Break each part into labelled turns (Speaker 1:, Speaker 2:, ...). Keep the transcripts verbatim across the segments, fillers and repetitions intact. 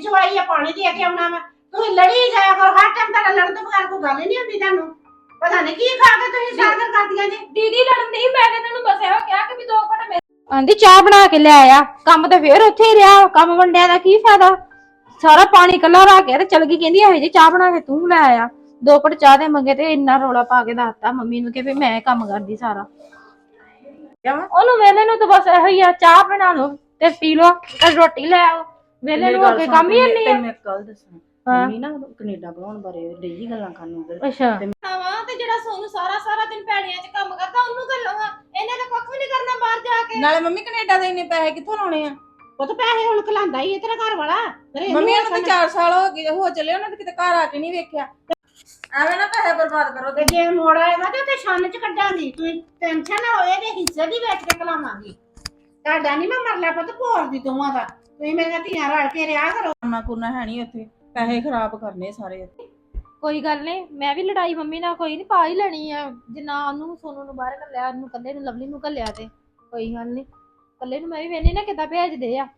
Speaker 1: ਜਵਾਈ ਆ ਪਾਣੀ ਦੇ ਕੇ ਆਉਣਾ ਵਾ ਤੁਸੀਂ ਲੜੀ ਜਾਇਆ ਕਰੋ ਹਰ ਟਾਈਮ ਤੁਹਾਡਾ ਲੜਨ ਤੋਂ ਬਗੈਰ ਕੋਈ ਗੱਲ ਨਹੀਂ ਹੁੰਦੀ ਤੁਹਾਨੂੰ ਪਤਾ ਨਹੀਂ ਕੀ ਖਾ ਕੇ ਤੁਸੀਂ ਸਾਗਰ ਕਰਦੀਆਂ ਜੀ
Speaker 2: ਦੀਦੀ ਲੜਨ ਨਹੀਂ ਮੈਂ ਤੇ ਇਹਨਾਂ ਨੂੰ ਬਸ ਇਹੋ ਕਿਹਾ ਕਿ ਵੀ ਦੋ ਘੰਟੇ ਮੇਰੇ
Speaker 3: ਆਂਦੀ ਚਾਹ ਬਣਾ ਕੇ ਲੈ ਆ ਕੰਮ ਤੇ ਫੇਰ ਉੱਥੇ ਹੀ ਰਿਹਾ ਕੰਮ ਵੰਡਿਆ ਦਾ ਕੀ ਫਾਇਦਾ ਸਾਰਾ ਪਾਣੀ ਕੱਲਾ ਰਾ ਕੇ ਤੇ ਚਲ ਗਈ ਕਹਿੰਦੀ ਇਹੋ ਜੀ ਚਾਹ ਬਣਾ ਕੇ ਤੂੰ ਲੈ ਆ ਦੋ ਘਟ ਚਾਹ ਦੇ ਮੰਗੇ ਤੇ ਇੰਨਾ ਰੌਲਾ ਪਾ ਕੇ ਦੱਸਤਾ ਮੰਮੀ ਨੂੰ ਕਿ ਵੀ ਮੈਂ ਕੰਮ ਕਰਦੀ ਸਾਰਾ ਉਹਨੂੰ ਵੇਲੇ ਨੂੰ ਤਾਂ ਬਸ ਇਹੋ ਹੀ ਆ ਚਾਹ ਬਣਾ ਲਓ ਤੇ ਪੀ ਲਓ ਤੇ ਰੋਟੀ ਲੈ ਆਓ ਵੇਲੇ ਨੂੰ ਅੱਗੇ ਕੰਮ ਹੀ ਨਹੀਂ ਆ
Speaker 4: ਮੈਂ ਕੱਲ ਦੱਸਾਂ ਮੰਮੀ ਨਾ ਕੈਨੇਡਾ ਬਣਾਉਣ ਬਾਰੇ ਡੇਲੀ ਗੱਲਾਂ ਕਰਨ ਉਧਰ
Speaker 3: ਅੱਛਾ
Speaker 2: ਵਾ ਤੇ ਜਿਹੜਾ ਸੋਨੂੰ ਸਾਰਾ ਸਾਰਾ ਦਿਨ ਪੈੜੀਆਂ 'ਚ ਕੰਮ ਕਰਦਾ ਉਹਨੂੰ ਕਰ ਲਵਾਂ ਇਹਨੇ ਤਾਂ ਕੱਖ ਵੀ ਨਹੀਂ ਕਰਨਾ ਬਾਹਰ ਜਾ ਕੇ
Speaker 4: ਨਾਲੇ ਮੰਮੀ ਕੈਨੇਡਾ ਦੇ ਇੰਨੇ ਪੈਸੇ ਕਿੱਥੋਂ ਲਾਉਣੇ ਆ
Speaker 1: ਉਹ ਤਾਂ ਪੈਸੇ ਹੁਣ ਖਲਾਂਦਾ ਹੀ ਤੇਰਾ ਘਰ ਵਾਲਾ
Speaker 4: ਮੰਮੀ ਨੂੰ ਤਾਂ ਚਾਰ ਸਾਲ ਹੋ ਗਏ ਹੋ ਚੱਲੇ ਉਹਨਾਂ ਤੇ ਕਿਤੇ ਘਰ ਆ ਕੇ ਨਹੀਂ ਵੇਖਿਆ ਐਵੇਂ ਨਾ ਪੈਸੇ ਬਰਬਾਦ ਕਰੋ
Speaker 1: ਤੇ ਜੇ ਮੋੜ ਆਏਗਾ ਤੇ ਤੇ ਛੰਨ ਚ ਕੱਢਾਂਗੀ ਤੁਸੀਂ ਟੈਨਸ਼ਨ ਨਾ ਹੋਏ ਤੇ ਹਿੱਸੇ ਦੀ ਵੇਚ ਕੇ ਖਲਾਵਾਂਗੀ ਤੁਹਾਡਾ ਨਹੀਂ ਮੈਂ ਮਰਲਾ ਪੁੱਤ ਭੋਰ ਦੀ ਦੋਵਾਂ ਦਾ ਤੁਸੀਂ ਮੇਰੀਆਂ ਧੀਆਂ ਰਲ ਕੇ ਰਿਹਾ ਕਰੋ
Speaker 4: ਨਾ ਕੁਰਨਾ ਹੈ ਨਹੀਂ ਉੱਥੇ ਪੈਸੇ ਖਰਾਬ ਕਰਨੇ ਸਾਰੇ ਉੱਥੇ
Speaker 3: ਕੋਈ ਗੱਲ ਨਹੀਂ ਮੈਂ ਵੀ ਲੜਾਈ ਮੰਮੀ ਨਾਲ ਕੋਈ ਨਹੀਂ ਪਾ ਹੀ ਲੈਣੀ ਆ ਜਿੰਨਾ ਉਹਨੂੰ ਸੋਨੂੰ ਨੂੰ ਬਾਹਰ ਘੱਲਿਆ ਉਹਨੂੰ ਕੱਲੇ ਨੂੰ ਲਵਲੀ ਨੂੰ ਘੱਲਿਆ ਤੇ ਕੋਈ ਗੱਲ ਨਹੀਂ ਕੱਲੇ ਨੂੰ ਮੈਂ ਵੀ ਵੇਖਣੀ ਨਾ ਕਿੱਦਾਂ ਭੇਜਦੇ ਆ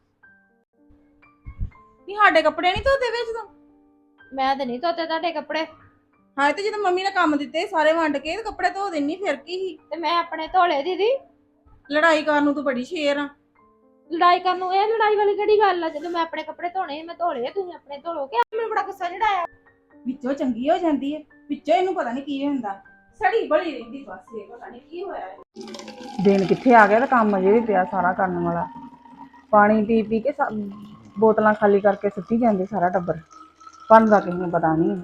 Speaker 4: ਨਹੀਂ ਸਾਡੇ ਕੱਪੜੇ ਨਹੀਂ ਧੋਤੇ ਵਿੱਚ ਤੂੰ
Speaker 3: ਮੈਂ ਤੇ ਨਹੀਂ ਧੋਤੇ ਤੁਹਾਡੇ ਕੱਪੜੇ
Speaker 4: ਹਾਂ ਤੇ ਜਦੋਂ ਮੰਮੀ ਨੇ ਕੰਮ ਦਿੱਤੇ ਸਾਰੇ ਵੰਡ ਕੇ ਤੇ ਕੱਪੜੇ ਧੋ ਦੇਣੀ ਫਿਰ ਕੀ ਸੀ
Speaker 3: ਤੇ ਮੈਂ ਆਪਣੇ ਧੋਲੇ ਦੀਦੀ
Speaker 4: ਲੜਾਈ ਕਰਨ ਨੂੰ ਤੂੰ ਬੜੀ ਸ਼ੇਰ ਆ
Speaker 3: ਲੜਾਈ ਕਰਨ ਨੂੰ ਇਹ ਲੜਾਈ ਵਾਲੀ ਕਿਹੜੀ ਗੱਲ ਆ ਜਦੋਂ ਮੈਂ ਆਪਣੇ ਕੱਪੜੇ ਧੋਣੇ ਮੈਂ ਧੋਲੇ ਤੁਸੀਂ ਆਪਣੇ ਧੋ ਲੋ ਕਿ ਮੈਨੂੰ ਬੜਾ ਗੁੱਸਾ ਚੜਾਇਆ
Speaker 4: ਵਿੱਚੋਂ ਚੰਗੀ ਹੋ ਜਾਂਦੀ ਹੈ ਵਿੱਚੋਂ ਇਹਨੂੰ ਪਤਾ ਨਹੀਂ ਕੀ ਹੁੰਦਾ ਸੜੀ ਬੜੀ ਰਹਿੰਦੀ ਬਸ ਇਹ ਪਤਾ ਨਹੀਂ ਕੀ ਹੋਇਆ ਦਿਨ ਕਿੱਥੇ ਆ ਗਿਆ ਤੇ ਕੰਮ ਅਜੇ ਵੀ ਪਿਆ ਸਾਰਾ ਕਰਨ ਵਾਲਾ ਪਾਣੀ ਪੀ ਪੀ ਕੇ ਬੋਤਲਾਂ ਖਾਲੀ ਕਰਕੇ ਸੁੱਟੀ ਜਾਂਦੇ ਸਾਰਾ ਟੱਬਰ ਭੰਦਾ ਕਿਸੇ ਨੂੰ ਪਤਾ ਨਹੀਂ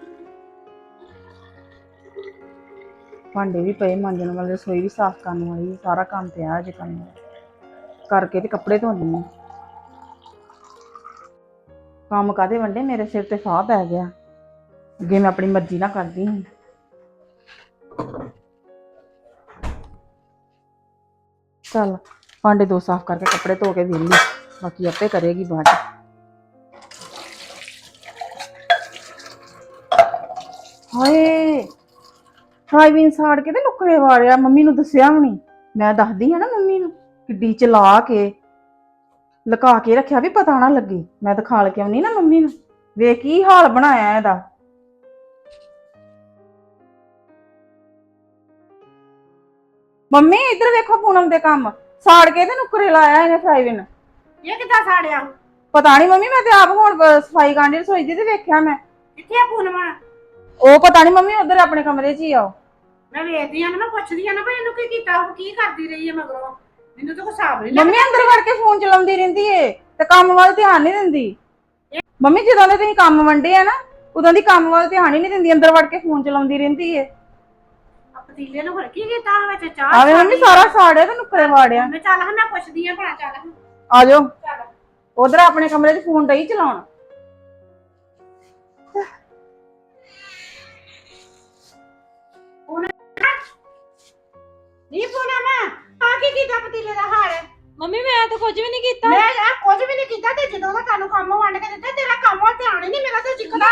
Speaker 4: ਭਾਂਡੇ ਵੀ ਪਏ ਮਾਂਜਣ ਵਾਲੇ ਰਸੋਈ ਵੀ ਸਾਫ਼ ਕਰਨ ਵਾਲੀ ਸਾਰਾ ਕੰਮ ਪਿਆ ਅਜੇ ਕਰਨ ਵਾਲਾ ਕਰਕੇ ਤੇ ਕੱਪੜੇ ਧੋਣੀ ਕੰਮ ਕਾਦੇ ਵੰਡੇ ਮੇਰੇ ਸਿਰ ਤੇ ਫਾਹ ਪੈ ਗਿਆ ਅੱਗੇ ਮੈਂ ਆਪਣੀ ਮਰਜ਼ੀ ਨਾਲ ਕਰਦੀ ਹਾਂ ਚੱਲ ਭਾਂਡੇ ਦੋ ਸਾਫ਼ ਕਰਕੇ ਕੱਪੜੇ ਧੋ ਕੇ ਵਿਹਲੀ ਬਾਕੀ ਆਪੇ ਕਰੇਗੀ ਬਾਅਦ ਹਾਏ ਫਰਾਈਬੀਨ ਸਾੜ ਕੇ ਤੇ ਨੁੱਕਰੇ ਵਾੜਿਆ ਮੰਮੀ ਨੂੰ ਦੱਸਿਆ ਵੀ ਨਹੀਂ ਮੈਂ ਦੱਸਦੀ ਹਾਂ ਨਾ ਮੰਮੀ ਨੂੰ ਕਿੱਡੀ ਚਲਾ ਕੇ ਲੁਕਾ ਕੇ ਰੱਖਿਆ ਵੀ ਪਤਾ ਨਾ ਲੱਗੇ ਮੈਂ ਤਾਂ ਖਾਲ ਕੇ ਆਉਣੀ ਨਾ ਮੰਮੀ ਨੂੰ ਵੇਖ ਕੀ ਹਾਲ ਬਣਾਇਆ ਇਹਦਾ ਮੰਮੀ ਇੱਧਰ ਵੇਖੋ ਪੂਨਮ ਦੇ ਕੰਮ ਸਾੜ ਕੇ ਤੇ ਨੁੱਕਰੇ ਲਾਇਆ ਇਹਨੇ ਫਰਾਈਬੀਨ
Speaker 1: ਇਹ ਕਿੱਦਾਂ ਸਾੜਿਆ
Speaker 4: ਪਤਾ ਨਹੀਂ ਮੰਮੀ ਮੈਂ ਤੇ ਆਪ ਹੁਣ ਸਫਾਈ ਕਾਂਡੀ ਰਸੋਈ ਦੀ ਤੇ ਵੇਖਿਆ ਮੈਂ
Speaker 1: ਕਿੱਥੇ ਆ ਪੂਨਮਣ
Speaker 4: ਉਹ ਪਤਾ ਨਹੀਂ ਮੰਮੀ ਉਧਰ ਆਪਣੇ ਕਮਰੇ 'ਚ ਹੀ ਆਓ
Speaker 1: ਮੈਂ ਵੇਖਦੀ ਆ ਨਾ ਮੈਂ ਪੁੱਛਦੀ ਆ ਨਾ ਵੀ ਇਹਨੂੰ ਕੀ ਕੀਤਾ ਉਹ ਕੀ ਕਰਦੀ ਰਹੀ ਹੈ ਮਗਰੋਂ ਮੈਨੂੰ ਤਾਂ ਕੋਈ ਹਿਸਾਬ ਨਹੀਂ
Speaker 4: ਮੰਮੀ ਅੰਦਰ ਵੜ ਕੇ ਫੋਨ ਚਲਾਉਂਦੀ ਰਹਿੰਦੀ ਏ ਤੇ ਕੰਮ ਵੱਲ ਧਿਆਨ ਨਹੀਂ ਦਿੰਦੀ ਮੰਮੀ ਜਦੋਂ ਦੇ ਤੁਸੀਂ ਕੰਮ ਵੰਡੇ ਆ ਨਾ ਉਦੋਂ ਦੀ ਕੰਮ ਵੱਲ ਧਿਆਨ ਹੀ ਨਹੀਂ ਦਿੰਦੀ ਅੰਦਰ ਵੜ ਕੇ ਫੋਨ ਚਲਾਉਂਦੀ ਰਹਿੰਦੀ ਏ
Speaker 1: ਪਤੀਲੇ ਨੂੰ ਹੋਰ ਕੀ ਕੀਤਾ ਵਿੱਚ ਚਾਹ
Speaker 4: ਆਵੇ ਮੰਮੀ ਸਾਰਾ ਸਾੜਿਆ ਤੇ ਨੁੱਕਰੇ ਵਾੜਿਆ
Speaker 1: ਮੈਂ ਚੱਲ ਹਾਂ ਮੈਂ ਪੁੱਛਦੀ ਆ ਭਲਾ ਚੱਲ
Speaker 4: ਆ ਜਾਓ ਉਧਰ ਆਪਣੇ ਕਮਰੇ 'ਚ ਫੋਨ ਡਈ ਚਲਾਉਣ
Speaker 1: ਨਹੀਂ ਪੂਨਮ ਆ ਕੀ ਕੀਤਾ ਪਤੀਲੇ ਦਾ ਹਾਲ
Speaker 3: ਮੰਮੀ ਮੈਂ ਤਾਂ ਕੁਝ ਵੀ ਨਹੀਂ ਕੀਤਾ
Speaker 1: ਮੈਂ ਆ ਕੁਝ ਵੀ ਨਹੀਂ ਕੀਤਾ ਤੇ ਜਦੋਂ ਦਾ ਤੁਹਾਨੂੰ ਕੰਮ ਵੰਡ ਕੇ ਦਿੱਤਾ ਤੇਰਾ ਕੰਮ ਵੱਲ ਧਿਆਨ ਹੀ ਨਹੀਂ ਮੇਰਾ ਤੇ ਜਿੱਕਦਾ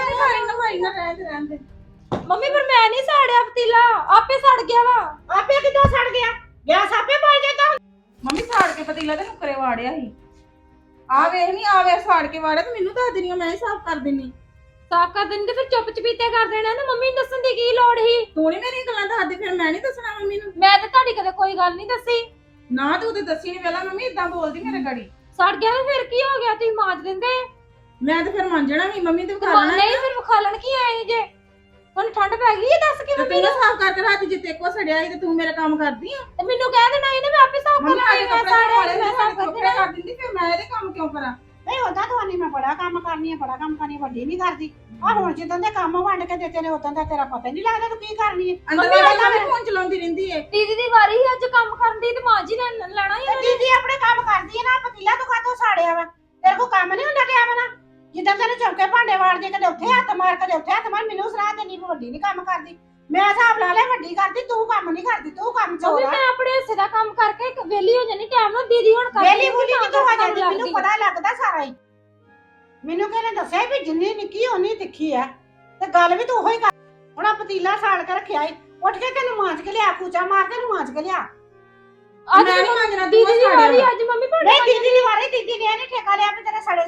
Speaker 3: ਮੰਮੀ ਪਰ ਮੈਂ ਨਹੀਂ ਸਾੜਿਆ ਪਤੀਲਾ ਆਪੇ ਸੜ ਗਿਆ ਵਾ
Speaker 1: ਆਪੇ ਕਿੱਦਾਂ ਸੜ ਗਿਆ ਗੈਸ ਆਪੇ ਬਲ ਜਾਂਦਾ
Speaker 4: ਮੰਮੀ ਸਾੜ ਕੇ ਪਤੀਲਾ ਤੇ ਨੁੱਕਰੇ ਵਾੜਿਆ ਸੀ ਆ ਵੇਖ ਨਹੀਂ ਆ ਵੇ ਸਾੜ ਕੇ ਵਾੜਿਆ ਤੇ ਮੈਨੂੰ ਦੱਸ ਦੇਣੀ ਮੈਂ ਹੀ ਸਾਫ਼ ਕਰ ਦਿੰਨੀ
Speaker 3: ਸਾਫ਼ ਕਰ ਦਿੰਦੇ ਫਿਰ ਚੁੱਪ ਚਪੀਤੇ ਕਰ ਦੇਣਾ ਨਾ ਮੰਮੀ ਨੂੰ ਦੱਸਣ ਦੀ ਕੀ ਲੋੜ ਸੀ
Speaker 4: ਤੂੰ ਨਹੀਂ ਮੇਰੀ ਗੱਲਾਂ ਦੱਸਦੀ ਫਿਰ ਮੈਂ ਨਹੀਂ ਦੱਸਣਾ ਮੰਮੀ ਨੂੰ
Speaker 3: ਮੈਂ ਤਾਂ ਤੁਹਾਡੀ ਕਦੇ ਕੋਈ ਗੱਲ ਨਹੀਂ ਦੱਸੀ
Speaker 4: ਨਾ ਤੂੰ ਤੇ ਦੱਸੀ ਨਹੀਂ ਪਹਿਲਾਂ ਮੰਮੀ ਇਦਾਂ ਬੋਲਦੀ ਮੇਰੇ ਗਾੜੀ
Speaker 3: ਸੜ ਗਿਆ ਤੇ ਫਿਰ ਕੀ ਹੋ ਗਿਆ ਤੁਸੀਂ ਮਾਂਜ ਦਿੰਦੇ
Speaker 4: ਮੈਂ ਤੇ ਫਿਰ ਮੰਜਣਾ ਵੀ ਮੰਮੀ ਤੇ
Speaker 3: ਤੇ
Speaker 4: ਵਿਖਾ
Speaker 3: ਮਾਂ-
Speaker 4: ਲੈਣਾ
Speaker 3: ਨਹੀਂ ਫਿਰ ਵਿਖਾਲਣ ਕੀ ਆਏ ਜੇ ਹੁਣ ਠੰਡ ਪੈ ਗਈ ਹੈ ਦੱਸ ਕੇ
Speaker 4: ਤੇ
Speaker 3: ਮੰਮੀ
Speaker 4: ਤੂੰ ਨਾ
Speaker 3: ਨੂੰ
Speaker 4: ਸਾਫ਼ ਕਰਕੇ ਰਾਤ ਜਿੱਤੇ ਕੋ ਸੜਿਆ ਸੀ ਤੇ ਤੂੰ ਮੇਰਾ ਕੰਮ ਕਰਦੀ ਆ
Speaker 3: ਤੇ ਮੈਨੂੰ ਕਹਿ ਦੇਣਾ ਇਹਨੇ ਮੈਂ ਆਪੇ ਸਾਫ਼ ਕਰ
Speaker 4: ਮੰਮੀ ਆਲੇ
Speaker 3: ਲੈਣੀ ਮੈਂ
Speaker 4: ਕੱਪੜੇ
Speaker 3: ਸਾੜਿਆ
Speaker 4: ਵਾਲੇ
Speaker 3: ਮੈਂ ਸਾਫ਼ ਕਰ
Speaker 4: ਕੱਪੜੇ
Speaker 3: ਦੇਣਾ
Speaker 4: ਕਰ ਦਿੰਦੀ ਫਿਰ ਮੈਂ ਇਹਦੇ ਕੰਮ ਕਿਉਂ ਕਰਾਂ
Speaker 1: ਨਹੀਂ ਹੁੰਦਾ ਤੁਹਾਨੂੰ ਮੈਂ ਬੜਾ ਕੰਮ ਕਰਨੀ ਹੈ ਬੜਾ ਕੰਮ ਕਰਨੀ ਵੱਡੀ ਨਹੀਂ ਕਰਦੀ ਆ ਹੁਣ ਜਿੱਦਾਂ ਦੇ ਕੰਮ ਵੰਡ ਕੇ ਦਿੱਤੇ ਨੇ ਉਦੋਂ ਦਾ ਤੇਰਾ ਪਤਾ ਨਹੀਂ ਲੱਗਦਾ ਤੂੰ ਕੀ ਕਰਨੀ ਹੈ
Speaker 4: ਅੰਦਰ
Speaker 3: ਮੰਮੀ
Speaker 4: ਵਾਲੀ
Speaker 3: ਪਤਾ
Speaker 4: ਵੀ ਫੋਨ ਚਲਾਉਂਦੀ ਰਹਿੰਦੀ ਏ
Speaker 3: ਦੀਦੀ ਦੀ ਵਾਰੀ ਸੀ ਅੱਜ ਕੰਮ ਕਰਨ ਦੀ ਤੇ ਮਾਂ ਜੀ ਨੇ ਲੈਣਾ ਹੀ
Speaker 1: ਤੇ ਦੀਦੀ ਆਪਣੇ ਕੰਮ ਕਰਦੀ ਹੈ ਨਾ ਪਤੀਲਾ ਤੂੰ ਕਾਹਤੋਂ ਸਾੜਿਆ ਵਾ ਤੇਰੇ ਕੋ ਕੰਮ ਨਹੀਂ ਹੁੰਦਾ ਟਾਈਮ ਨਾਲ ਜਿੱਦਾਂ ਤੈਨੂੰ ਚੌਕੇ ਭਾਂਡੇ ਵਾੜਦੀ ਕਦੇ ਉੱਥੇ ਹੱਥ ਮਾਰ ਕਦੇ ਉੱਥੇ ਹੱਥ ਮਾਰ ਮੈਨੂੰ ਸਲਾਹ ਦੇਣੀ ਵੱਡੀ ਨਹੀਂ ਕੰਮ ਕਰਦੀ ਮੈਂ ਹਿਸਾਬ ਲਾ ਲਿਆ ਵੱਡੀ ਕਰਦੀ ਤੂੰ ਕੰਮ ਨਹੀਂ ਕਰਦੀ ਤੂੰ ਕੰਮ
Speaker 3: ਮੰਮੀ
Speaker 1: ਚੋਰਾ
Speaker 3: ਮੈਂ ਆਪਣੇ ਹਿੱਸੇ ਦਾ ਕੰਮ ਕਰਕੇ ਵਿਹਲੀ ਹੋ ਜਾਣੀ ਟਾਈਮ ਨਾਲ ਦੀਦੀ ਹੁਣ ਕਰਦੀ
Speaker 1: ਵੇਲੀ ਬੁਲੀ
Speaker 3: ਤਾਂ
Speaker 1: ਕਿਤੋਂ ਆ
Speaker 3: ਕੰਮ
Speaker 1: ਜਾਂਦੀ ਮੈਨੂੰ
Speaker 3: ਲੱਗਦੀ।
Speaker 1: ਪਤਾ ਲੱਗਦਾ ਸਾਰਾ ਹੀ ਮੈਨੂੰ ਕਿਹਨੇ ਦੱਸਿਆ ਵੀ ਜਿੰਨੀ ਨਿੱਕੀ ਓਨੀ ਤਿੱਖੀ ਆ ਤੇ ਗੱਲ ਵੀ ਤੂੰ ਉਹੀ ਕਰ ਹੁਣ ਆ ਪਤੀਲਾ ਸਾੜ ਕੇ ਰੱਖਿਆ ਈ ਉੱਠ ਕੇ ਤੈਨੂੰ ਮਾਂਜ ਕੇ ਲਿਆ ਕੂਚਾ ਮਾਰ ਕੇ ਨੂੰ ਮਾਂਜ ਕੇ ਲਿਆ
Speaker 3: ਅੱਜ
Speaker 4: ਮੈਂ ਨਹੀਂ ਮੰਗਣਾ
Speaker 3: ਦੀਦੀ ਦੀ ਵਾਰੀ ਅੱਜ ਮੰਮੀ ਭਾਂਡੇ
Speaker 1: ਨਹੀਂ ਦੀਦੀ ਦੀ ਵਾਰੀ ਦੀਦੀ ਨੇ ਇਹਨੇ ਠੇਕਾ ਲਿਆ ਵੀ ਤੇਰੇ ਸੜੇ ਸੁੜੇ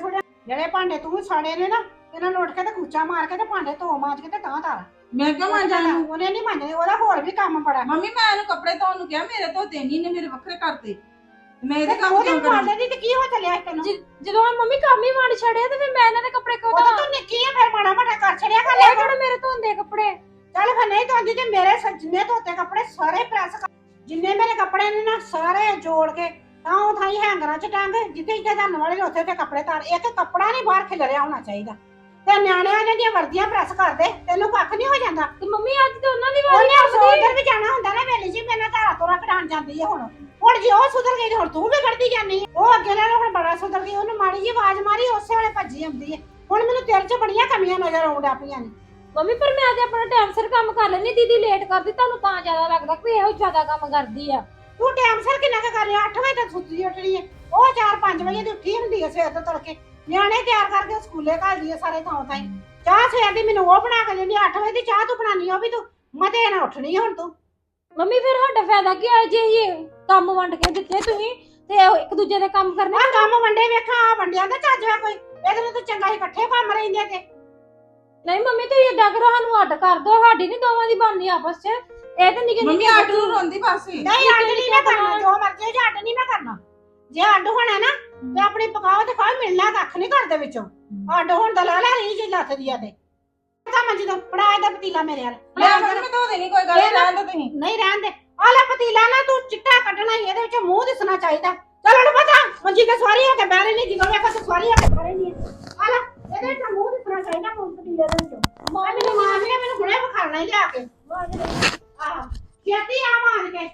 Speaker 1: ਜਿਹੜੇ ਭਾਂਡੇ ਤੂੰ ਸਾੜੇ ਨੇ ਨਾ ਇਹਨਾਂ ਨੂੰ ਉੱਠ ਕੇ ਤੇ ਕੂਚਾ ਮਾਰ ਕੇ ਤੇ ਭਾਂਡੇ ਧੋ ਮਾਂਜ ਕੇ ਤੇ ਤਾਂ ਧਰ
Speaker 4: ਮੈਂ ਕਿਉਂ ਮਾਂਜਾਂ ਇਹਨੂੰ?
Speaker 1: ਉਹਨੇ ਨਹੀਂ ਮੰਨਦੇ, ਉਹਦਾ ਹੋਰ ਵੀ ਕੰਮ ਬੜਾ।
Speaker 4: ਮੰਮੀ ਮੈਂ ਇਹਨੂੰ ਕੱਪੜੇ ਧੋਣ ਨੂੰ ਕਿਹਾ, ਮੇਰੇ ਧੋਤੇ ਨਹੀਂ ਨੇ, ਮੇਰੇ ਵੱਖਰੇ ਕਰਤੇ। ਮੈਂ ਇਹਦੇ ਕੰਮ
Speaker 1: ਉਹਦੇ
Speaker 4: ਕਿਉਂ ਕਰਾਂ?
Speaker 1: ਮਾਰਦੇ ਨਹੀਂ ਤੇ ਕੀ ਹੋ ਚੱਲਿਆ ਤੈਨੂੰ?
Speaker 3: ਜਦੋਂ ਹੁਣ ਮੰਮੀ ਕੰਮ ਹੀ ਮਾਰ ਛੜਿਆ ਤੇ ਫਿਰ ਮੈਂ ਇਹਨਾਂ ਦੇ ਕੱਪੜੇ ਕਿਉਂ
Speaker 1: ਉਹ
Speaker 3: ਧੋਵਾਂ?
Speaker 1: ਤੂੰ ਨਿੱਕੀ ਆ ਫਿਰ ਮਾੜਾ ਮਾੜਾ ਕਰ ਛੜਿਆ ਕਰ
Speaker 3: ਇਹ
Speaker 1: ਲਿਆ
Speaker 3: ਕਿਹੜੇ ਮੇਰੇ ਧੋਂਦੇ ਕੱਪੜੇ?
Speaker 1: ਚੱਲ ਫਿਰ ਨਹੀਂ ਧੋਂਦੀ ਤੇ ਮੇਰੇ ਸ- ਜਿੰਨੇ ਧੋਤੇ ਕੱਪੜੇ ਸਾਰੇ ਪ੍ਰੈਸ ਕਰ, ਜਿੰਨੇ ਮੇਰੇ ਕੱਪੜੇ ਨੇ ਨਾ ਸਾਰੇ ਜੋੜ ਕੇ ਤਾਂ ਉਹ ਥਾਈ ਹੈਂਗਰਾਂ 'ਚ ਟੰਗ, ਜਿੱਥੇ ਜਿੱਥੇ ਧਰਨ ਵਾਲੇ ਨੇ ਉੱਥੇ ਤੇ ਕੱਪੜੇ ਤਾਰ। ਇੱਕ ਕੱਪੜਾ ਨਹੀਂ ਬਾਹਰ ਖਿਲਰਿਆ ਹੋਣਾ ਚਾਹੀਦਾ। ਤੇ ਨਿਆਣਿਆਂ ਨੇ ਦੀਆਂ ਵਰਦੀਆਂ ਪ੍ਰੈਸ ਕਰਦੇ, ਤੈਨੂੰ ਕੱਖ ਨਹੀਂ ਹੋ ਜਾਂਦਾ।
Speaker 3: ਤੇ ਮੰਮੀ ਅੱਜ ਤੇ ਉਹਨਾਂ ਦੀ ਵਾਰੀ
Speaker 1: ਉਹਨੇ
Speaker 3: ਆਉਂਦੀ।
Speaker 1: ਉਧਰ ਵੀ ਜਾਣਾ ਹੁੰਦਾ ਨਾ ਵੇਲੇ ਜੀ, ਮੇਰੇ ਨਾਲ ਧਾਰਾ ਤੋਰਾ ਕਢਾਣ ਜਾਂਦੀ ਹੈ ਹੁਣ। ਹੁਣ ਜੇ ਉਹ ਸੁਧਰ ਗਈ ਤੇ ਹੁਣ ਤੂੰ ਵੀ ਕਰਦੀ ਜਾਂਦੀ ਹੈ। ਉਹ ਅੱਗੇ ਨਾਲੋਂ ਹੁਣ ਬੜਾ ਸੁਧਰ ਗਈ, ਉਹਨੂੰ ਮਾੜੀ ਜੀ ਆਵਾਜ਼ ਮਾਰੀ ਉਸੇ ਵੇਲੇ ਭੱਜੀ ਆਉਂਦੀ ਹੈ। ਹੁਣ ਮੈਨੂੰ ਤੇਰੇ 'ਚ ਬੜੀਆਂ ਕਮੀਆਂ ਨਜ਼ਰ ਆਉਣ ਡਿਆ ਪਈਆਂ ਨੇ।
Speaker 3: ਮੰਮੀ ਪਰ ਮੈਂ ਤੇ ਆਪਣਾ ਟਾਈਮ ਸਿਰ ਕੰਮ ਕਰ ਲੈਣੀ, ਦੀਦੀ ਲੇਟ ਕਰਦੀ, ਤੁਹਾਨੂੰ ਤਾਂ ਜ਼ਿਆਦਾ ਲੱਗਦਾ ਕਿ ਇਹੋ ਜ਼ਿਆਦਾ ਕੰਮ ਕਰਦੀ ਆ।
Speaker 1: ਤੂੰ ਟਾਈਮ ਸਿਰ ਕਿੰਨਾ ਕੁ ਕਰ ਰਿਹਾ? ਅੱਠ ਵਜੇ ਤੱਕ ਸੁੱਤੀ ਉੱਠਣੀ ਹੈ, ਉਹ ਚਾਰ ਪੰਜ ਵਜੇ ਦੀ ਉੱਠੀ ਹੁੰਦੀ ਹੈ ਸਵੇਰ ਤੋਂ ਤੜਕੇ। ਨਿਆਣੇ ਤਿਆਰ ਕਰਕੇ ਸਕੂਲੇ ਘੱਲਦੀ ਹੈ ਸਾਰੇ ਥਾਂ ਥਾਈ। ਚਾਹ ਸਵੇਰ ਦੀ ਮੈਨੂੰ ਉਹ ਬਣਾ ਕੇ ਦਿੰਦੀ, ਅੱਠ ਵਜੇ ਦੀ ਚਾਹ ਤੂੰ ਬਣਾਉਣੀ, ਉਹ ਵੀ ਤੂੰ ਮਤੇ ਨਾਲ ਉੱਠਣੀ ਹੁਣ ਤੂੰ।
Speaker 3: ਮੰਮੀ ਫਿਰ ਸਾਡਾ ਫਾਇਦਾ ਕੀ ਆ ਜੇ ਇਹ ਕੰਮ ਵੰਡ ਕੇ ਦਿੱਤੇ ਤੁਸੀਂ ਤੇ ਉਹ ਇੱਕ ਦੂਜੇ ਦੇ ਕੰਮ ਕਰਨੇ?
Speaker 1: ਆ ਕੰਮ ਵੰਡੇ ਵੇਖਾਂ, ਆ ਵੰਡਿਆਂ ਦਾ ਚੱਜ ਹੈ ਕੋਈ? ਇਹਦੇ ਨਾਲ ਤਾਂ ਚੰਗਾ ਹੀ ਇਕੱਠੇ ਕੰਮ ਰਹਿੰਦੇ ਤੇ।
Speaker 3: ਨਹੀਂ ਮੰਮੀ ਤੁਸੀਂ ਏਦਾਂ ਕਰੋ, ਸਾਨੂੰ ਅੱਡ ਕਰ ਦੋ, ਸਾਡੀ ਨਹੀਂ ਦੋਵਾਂ ਦੀ ਬਣਨੀ ਆਪਸ 'ਚ। ਇਹ ਤਾਂ ਨਿੱਕੇ
Speaker 4: ਮੰਮੀ
Speaker 3: ਨਿੱਕੇ
Speaker 4: ਅੱਡ ਨੂੰ ਰੋਂਦੀ ਬਸ।
Speaker 1: ਨਹੀਂ ਅੱਡ ਨਹੀਂ ਮੈਂ ਕਰਨਾ, ਜੋ ਮਰਜ਼ੀ ਹੋ ਜਾ, ਅੱਡ ਨਹੀਂ ਮੈਂ ਕਰਨਾ। ਜੇ ਅੱਡ ਹੋਣਾ ਨਾ ਤੇ ਆਪਣੀ ਪਕਾਓ ਤੇ ਖਾਓ, ਮਿਲਣਾ ਕੱਖ ਨਹੀਂ ਘਰ ਦੇ ਵਿੱਚੋਂ। ਅੱਡ ਹੋਣ ਦਾ ਲਾ ਲੈ ਰਹੀ ਜੇ ਲੱਥ ਦੀ ਆ ਤੇ ਤਾਂ ਮੰਜੀ ਤੋਂ ਫੜਾ ਇਹਦਾ ਪਤੀਲਾ ਮੇਰੇ ਨਾਲ।
Speaker 4: ਮੈਂ ਅੰਦਰ ਮੈਂ ਧੋ ਦੇਣੀ, ਕੋਈ ਗੱਲ ਨਹੀਂ, ਰਹਿਣ ਦੋ ਤੁਸੀਂ।
Speaker 1: ਨਹੀਂ ਰਹਿਣ ਦੇ, ਆ ਲੈ ਪਤੀਲਾ ਨਾ, ਤੂੰ ਚਿੱਟਾ ਕੱਢਣਾ ਹੀ, ਇਹਦੇ ਵਿੱਚ ਮੂੰਹ ਦਿਸਣਾ ਚਾਹੀਦਾ। ਚਲ ਹੁਣ ਪਤਾ ਮੰਜੀ ਤੇ ਸਵਾਰੀ ਹੋ ਕੇ ਬਹਿ ਨਹੀਂ, ਜਦੋਂ ਵੇਖਾ ਤੂੰ ਸਵਾਰੀ ਹੋ ਕੇ ਬਹਿ ਨਹੀਂ। ਆ ਲੈ ਇਹਦੇ ਵਿੱਚ ਮੂੰਹ ਦਿਸਣਾ ਚਾਹੀਦਾ, ਮੂੰਹ ਪਤੀਲੇ ਦੇ ਵਿੱਚੋਂ। ਮਾਂ ਮੈਨੂੰ ਮਾਂ ਨੇ ਮੈਨੂੰ ਹੁਣੇ ਵਿਖਾਣਾ ਹੀ ਲਿਆ ਕੇ। ਆਹ ਛੇਤੀ ਆ ਮਾਰ ਕੇ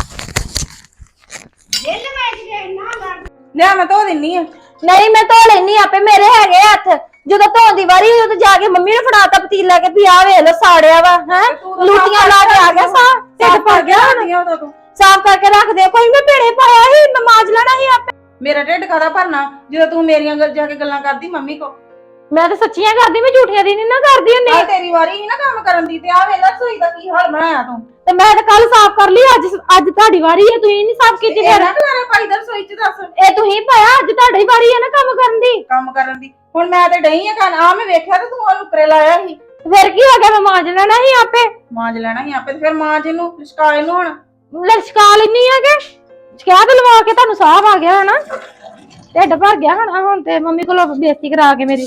Speaker 1: ਜੇਲ ਵਿੱਚ ਗਏ ਨਾ ਲੜ।
Speaker 4: ਲਿਆ ਮੈਂ ਧੋ ਦਿੰਨੀ ਆ।
Speaker 3: ਨਹੀਂ ਮੈਂ ਧੋ ਲੈਣੀ ਆਪੇ, ਮੇਰੇ ਹੈਗੇ ਹੱਥ। ਜਦੋਂ ਧੋਣ ਦੀ ਵਾਰੀ ਉਦੋਂ ਜਾ ਕੇ ਮੰਮੀ ਨੂੰ ਫੜਾਤਾ ਪਤੀਲਾ ਕੇ ਵੀ ਆ ਵੇਖ ਲੋ ਸਾੜਿਆ ਵਾ ਹੈ, ਲੂਟੀਆਂ ਲਾ ਕੇ ਆ ਗਿਆ ਸਾ ਢਿੱਡ ਭਰ ਗਿਆ ਹੁਣ।
Speaker 4: ਉਦੋਂ ਤੂੰ
Speaker 3: ਸਾਫ਼ ਕਰਕੇ ਰੱਖ ਦੇ, ਕੋਈ ਮੈਂ ਭੇੜੇ ਪਾਇਆ ਸੀ, ਮੈਂ ਮਾਜ ਲੈਣਾ ਸੀ ਆਪੇ।
Speaker 4: ਮੇਰਾ ਢਿੱਡ ਕਾਹਦਾ ਭਰਨਾ ਜਦੋਂ ਤੂੰ ਮੇਰੀਆਂ ਗੱਲ ਜਾ ਕੇ ਗੱਲਾਂ ਕਰਦੀ ਮੰਮੀ ਕੋ?
Speaker 3: ਮੈਂ ਤਾਂ ਸੱਚੀਆਂ ਕਰਦੀ, ਮੈਂ ਝੂਠੀਆਂ ਦੀ ਨਹੀਂ ਨਾ ਕਰਦੀ ਹੁੰਦੀ।
Speaker 4: ਆ ਤੇਰੀ ਵਾਰੀ ਹੀ ਨਾ ਕੰਮ ਕਰਨ ਦੀ, ਤੇ ਆ ਵੇਲਾ ਸੋਈ ਦਾ ਕੀ ਹਾਲ ਬਣਾਇਆ ਤੂੰ।
Speaker 3: ਤੇ ਮੈਂ ਤਾਂ ਕੱਲ ਸਾਫ਼ ਕਰ ਲਈ, ਅੱਜ ਅੱਜ ਤੁਹਾਡੀ ਵਾਰੀ ਹੈ, ਤੁਸੀਂ ਨਹੀਂ ਸਾਫ਼ ਕੀਤੀ। ਫਿਰ
Speaker 4: ਨਾ ਦੁਆਰਾ ਪਾਈ ਦਾ ਸੋਈ ਚ ਦੱਸ।
Speaker 3: ਇਹ ਤੁਸੀਂ ਪਾਇਆ, ਅੱਜ ਤੁਹਾਡੀ ਵਾਰੀ ਹੈ ਨਾ ਕੰਮ ਕਰਨ ਦੀ।
Speaker 4: ਕੰਮ ਕਰਨ ਦੀ ਹੁਣ ਮੈਂ ਤੇ ਡਈ ਆ ਕਰਨ, ਆ ਮੈਂ ਵੇਖਿਆ ਤੇ ਤੂੰ ਉਹਨੂੰ ਉੱਪਰੇ ਲਾਇਆ ਸੀ।
Speaker 3: ਫਿਰ ਕੀ ਹੋ ਗਿਆ, ਮੈਂ ਮਾਜ ਲੈਣਾ ਸੀ ਆਪੇ।
Speaker 4: ਮਾਂਜ ਲੈਣਾ ਸੀ ਆਪੇ, ਤੇ ਫਿਰ ਮਾਂਜ ਇਹਨੂੰ ਲਿਸ਼ਕਾ ਇਹਨੂੰ ਹੁਣ।
Speaker 3: ਲਸ਼ਕਾ ਲੈਣੀ ਆ ਕਿ ਸ਼ਿਕਾਇਤ ਲਵਾ ਕੇ ਤੁਹਾਨੂੰ ਸਾਫ਼ ਆ ਗਿਆ ਹਨਾ, ਢਿੱਡ ਭਰ ਗਿਆ ਹਨਾ। ਹੁਣ ਤੇ ਮੰਮੀ ਕੋਲੋਂ ਬੇਇੱਜ਼ਤੀ ਕਰਾ ਕੇ ਮੇਰੀ।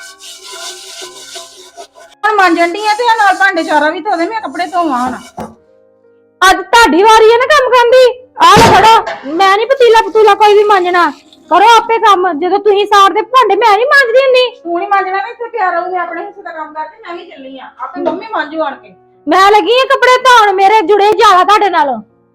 Speaker 4: ਹੁਣ ਮਾਂਜਣ ਦੀ ਆ ਤੇ ਆ ਨਾਲ ਭਾਂਡੇ ਚਾਰਾ ਵੀ ਧੋ ਦੇ, ਮੈਂ ਕੱਪੜੇ ਧੋਵਾਂ ਹੁਣ।
Speaker 3: ਅੱਜ ਤੁਹਾਡੀ ਵਾਰੀ ਹੈ ਨਾ ਕੰਮ ਕਰਨ ਦੀ। ਆਹ ਲੈ ਫੜੋ, ਮੈਂ ਨਹੀਂ ਪਤੀਲਾ ਪਤੂਲਾ ਕੋਈ ਵੀ ਮਾਂਜਣਾ, ਕਰੋ ਆਪੇ ਕੰਮ। ਜਦੋਂ ਤੁਸੀਂ ਸਾੜਦੇ ਭਾਂਡੇ ਮੈਂ ਨਹੀਂ ਮਾਂਜਦੀ ਹੁੰਦੀ।
Speaker 4: ਤੂੰ ਨਹੀਂ ਮਾਂਜਣਾ ਨਾ, ਇੱਥੇ ਪਿਆ ਰਹੂ, ਮੈਂ ਆਪਣੇ ਹਿੱਸੇ ਦਾ ਕੰਮ ਕਰਦੀ, ਮੈਂ ਵੀ ਚੱਲੀ ਆ ਆਪੇ, ਮੰਮੀ ਮਾਂਜੂ ਆਣ ਕੇ।
Speaker 3: ਮੈਂ ਲੱਗੀ ਆ ਕੱਪੜੇ ਧੋਣ, ਮੇਰੇ ਜੁੜੇ ਜ਼ਿਆਦਾ ਤੁਹਾਡੇ ਨਾਲ।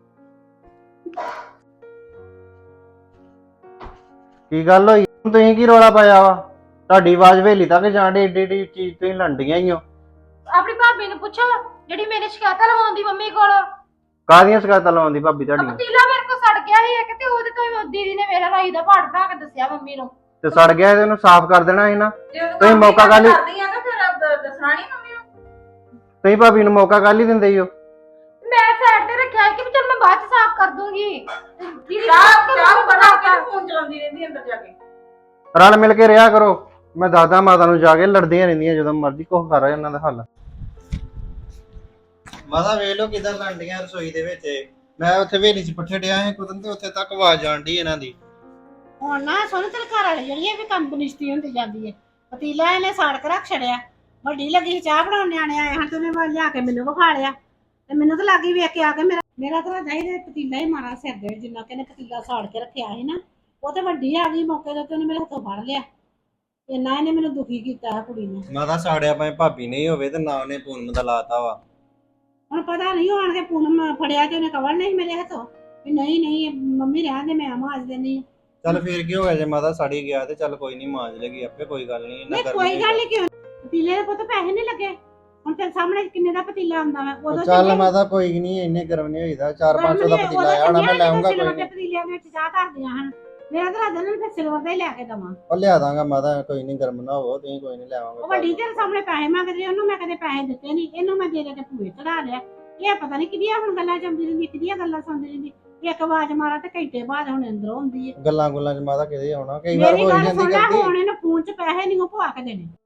Speaker 5: ਕੀ ਗੱਲ ਹੋਈ? ਤੁਸੀਂ ਕੀ ਰੋਲਾ ਪਾਇਆ ਵਾ? ਤੁਹਾਡੀ ਆਵਾਜ਼ ਵੇਲੀ ਤੱਕ ਜਾਣ ਡੀ, ਏਡੀ ਏਡੀ ਚੀਜ਼ ਤੁਸੀਂ ਲੰਡੀਆਂ ਹੀ ਹੋ।
Speaker 3: ਆਪਣੀ ਭਾਬੀ ਨੂੰ ਪੁੱਛੋ ਜਿਹੜੀ ਮੇਰੇ ਸ਼ਿਕਾਇਤਾਂ ਲਵਾਉਂਦੀ ਮੰਮੀ ਕੋਲ।
Speaker 5: ਕਾਹਦੀਆਂ ਸ਼ਿਕਾਇਤਾਂ ਲਾਉਂਦੀ ਭਾਬੀ ਤੁਹਾਡੀ?
Speaker 3: ਪਤੀਲਾ ਮੇਰੇ ਕੋਲ ਸੜ ਗਿਆ ਸੀ ਇੱਕ, ਤੇ ਉਹਦੇ ਤੋਂ ਹੀ ਦੀਦੀ ਨੇ ਮੇਰਾ ਰਾਈ ਦਾ ਪਾੜ ਬਣਾ ਕੇ ਦੱਸਿਆ ਮੰਮੀ ਨੂੰ।
Speaker 5: ਤੇ ਸੜ ਗਿਆ ਤੇ ਉਹਨੂੰ ਸਾਫ਼ ਕਰ ਦੇਣਾ ਸੀ ਨਾ।
Speaker 4: ਜੇ ਤੂੰ
Speaker 5: ਤੁਸੀਂ ਮੌਕਾ ਕਰ ਲਈ।
Speaker 4: ਕਰਦੀ ਆ ਤਾਂ ਫਿਰ ਦ- ਦੱਸਣਾ ਨਹੀਂ ਮੰਮੀ ਨੂੰ।
Speaker 5: ਤੁਸੀਂ ਭਾਬੀ ਨੂੰ ਮੌਕਾ ਕਰ ਹੀ ਦਿੰਦੇ ਹੀ ਹੋ।
Speaker 3: ਮੈਂ ਸਾਈਡ ਤੇ ਰੱਖਿਆ ਕਿ ਚਲ ਮੈਂ ਬਾਅਦ ਚ ਸਾਫ਼ ਕਰ ਦੂੰਗੀ। ਦੀਦੀ
Speaker 4: ਚਾਹ ਚਾਹ ਬਣਾ ਕੇ ਫੋਨ ਚਲਾਉਂਦੀ ਰਹਿੰਦੀ ਅੰਦਰ ਜਾ ਕੇ।
Speaker 5: ਰਲ ਮਿਲ ਕੇ ਰਿਹਾ ਕਰੋ। ਮੈਂ ਦੱਸਦਾ ਮਾਤਾ ਨੂੰ ਜਾ ਕੇ, ਲੜਦੀਆਂ ਰਹਿੰਦੀਆਂ ਜਦੋਂ ਮਰਜ਼ੀ, ਕੁਛ ਕਰ ਉਹਨਾਂ ਦਾ ਹੱਲ। ਮਾਤਾ ਵੇਖ ਲਓ ਕਿਦਾਂ ਲੰਡੀਆਂ ਰਸੋਈ ਦੇ ਵਿੱਚ। ਮੈਂ ਉੱਥੇ ਵੇਲੀ 'ਚ ਪੱਠੇ ਡਿਆ ਸੀ ਕੁਦਨ, ਤੇ ਉੱਥੇ ਤੱਕ ਆਵਾਜ਼ ਜਾਣ ਡਈ ਇਹਨਾਂ ਦੀ।
Speaker 1: ਹੁਣ ਨਾ ਸੋਨੂੰ ਤੇਰੇ ਘਰ ਵਾਲੀ ਜਿਹੜੀ ਇਹ ਵੀ ਕੰਮ ਬਨਿਸ਼ਤੀ ਹੁੰਦੀ ਜਾਂਦੀ ਹੈ। ਪਤੀਲਾ ਇਹਨੇ ਸਾੜ ਕੇ ਰੱਖ ਛੜਿਆ, ਵੱਡੀ ਲੱਗੀ ਚਾਹ ਬਣਾਉਣ, ਨਿਆਣੇ ਆਏ ਹਨ ਤੇ ਉਹਨੇ ਲਿਆ ਕੇ ਮੈਨੂੰ ਵਿਖਾ ਲਿਆ, ਤੇ ਮੈਨੂੰ ਤਾਂ ਲੱਗੀ ਵੇਖ ਕੇ ਆ ਕੇ ਮੇਰਾ ਮੇਰਾ ਤਾਂ ਚਾਹੀਦਾ ਪਤੀਲਾ ਹੀ ਮਾਰਾ ਸਿਰ ਦੇ, ਜਿੰਨਾ ਕਿ ਇਹਨੇ ਪਤੀਲਾ ਸਾੜ ਕੇ ਰੱਖਿਆ ਸੀ ਨਾ। ਉਹ ਤੇ ਵੱਡੀ ਆ ਗਈ ਮੌਕੇ ਤੇ, ਉਹਨੇ ਮੇਰੇ ਹੱਥੋਂ ਫੜ ਲਿਆ। ਇੰਨਾ ਇਹਨੇ ਮੈਨੂੰ ਦੁਖੀ ਕੀਤਾ ਕੁੜੀ ਨੇ।
Speaker 5: ਮਾਤਾ ਸਾੜਿਆ ਭਾਵੇਂ ਭਾਬੀ ਨਹੀਂ ਹੋਵੇ ਤੇ ਨਾ ਉਹਨੇ ਪੂਨਮ ਦਾ ਲਾਤਾ ਵਾ।
Speaker 1: ਹੁਣ ਪਤਾ ਨਹੀਂ ਆਣ ਕੇ ਪੂਨਮ ਫੜਿਆ ਤੇ ਉਹਨੇ ਕਵਰ ਨਹੀਂ ਮੇਰੇ ਹੱਥੋਂ ਵੀ ਨਹੀਂ ਨਹੀਂ ਮੰਮੀ ਰਹਿਣ ਦੇ, ਮੈਂ ਮਾਜ ਦੇਣੀ।
Speaker 5: ਚੱਲ ਫੇਰ ਕੀ ਹੋ ਗਿਆ ਜੇ ਮਾਤਾ ਸੜੀ ਗਿਆ ਤੇ ਚੱਲ ਕੋਈ ਨਹੀਂ ਮਾਂਜ ਲੇਗੀ ਆਪੇ, ਕੋਈ ਗੱਲ ਨਹੀਂ।
Speaker 1: ਨਹੀਂ ਕੋਈ ਗੱਲ ਨਹੀਂ, ਕਿਉਂ ਪਤੀਲੇ ਦੇ ਪੁੱਤ ਪੈਸੇ ਨਹੀਂ ਲੱਗੇ। ਹੁਣ ਤੇਰੇ ਸਾਹਮਣੇ ਕਿੰਨੇ ਦਾ ਪਤੀਲਾ ਆਉਂਦਾ ਵਾ, ਉਦੋਂ
Speaker 5: ਚੱਲ ਮਾਤਾ ਕੋਈ ਨਹੀਂ, ਇੰਨੇ ਗਰਮ ਨਹੀਂ ਹੋਈਦਾ। ਚਾਰ ਪੰਜ ਸੌ ਦਾ ਪਤੀਲਾ ਆਣਾ, ਮੈਂ ਲਾਉਂਗਾ ਕੋਈ ਨਹੀਂ।
Speaker 1: ਪਤੀਲਿਆਂ ਵਿੱਚ ਚਾਹ ਧਰਦੀਆਂ ਹਨ, ਮੇਰਾ ਤਾਂ ਰਾਜਾ ਨੇ ਫਿਰ ਸਿਲਵਰ ਦਾ ਹੀ ਲੈ ਕੇ ਦਵਾਂ।
Speaker 5: ਉਹ ਲਿਆ ਦਾਂਗਾ ਮਾਤਾ, ਕੋਈ ਨਹੀਂ, ਗਰਮ ਨਾ ਹੋਵੋ ਤੁਸੀਂ, ਕੋਈ ਨਹੀਂ ਲਿਆਵਾਂਗਾ।
Speaker 1: ਉਹ ਵੱਡੀ ਤੇਰੇ ਸਾਹਮਣੇ ਪੈਸੇ ਮੰਗਦੇ, ਉਹਨੂੰ ਮੈਂ ਕਦੇ ਪੈਸੇ ਦਿੱਤੇ ਨਹੀਂ, ਇਹਨੂੰ ਮੈਂ ਦੇ ਦੇ ਕੇ ਭੂਏ ਚੜਾ ਲਿਆ। ਇਹ ਪਤਾ ਨਹੀਂ ਕਿਹਦੀਆਂ ਹੁਣ ਗੱਲਾਂ ਚੰਦੀ ਰਹਿੰਦੀ, ਕਿਹਦੀਆਂ ਗੱਲਾਂ ਸੁਣਦੀ ਰਹਿੰਦੀ। ਇੱਕ ਆਵਾਜ਼ ਮਾਰਾ ਤੇ ਘੰਟੇ ਬਾਅਦ ਹੁਣ ਅੰਦਰੋਂ ਹੁੰਦੀ ਹੈ।
Speaker 5: ਗੱਲਾਂ ਗੁੱਲਾਂ ਚ ਮਾਤਾ ਕਿਤੇ ਆਉਣਾ ਕਈ ਵਾਰ
Speaker 1: ਮੇਰੀ
Speaker 5: ਹੋ
Speaker 1: ਗੱਲ
Speaker 5: ਜਾਂਦੀ
Speaker 1: ਸੁਣ ਲੈ,
Speaker 5: ਕਰਦੀ
Speaker 1: ਹੁਣ ਇਹਨੂੰ ਫੋਨ 'ਚ ਪੈਸੇ ਨਹੀਂ ਉਹ ਪਵਾ ਕੇ ਦੇਣੇ।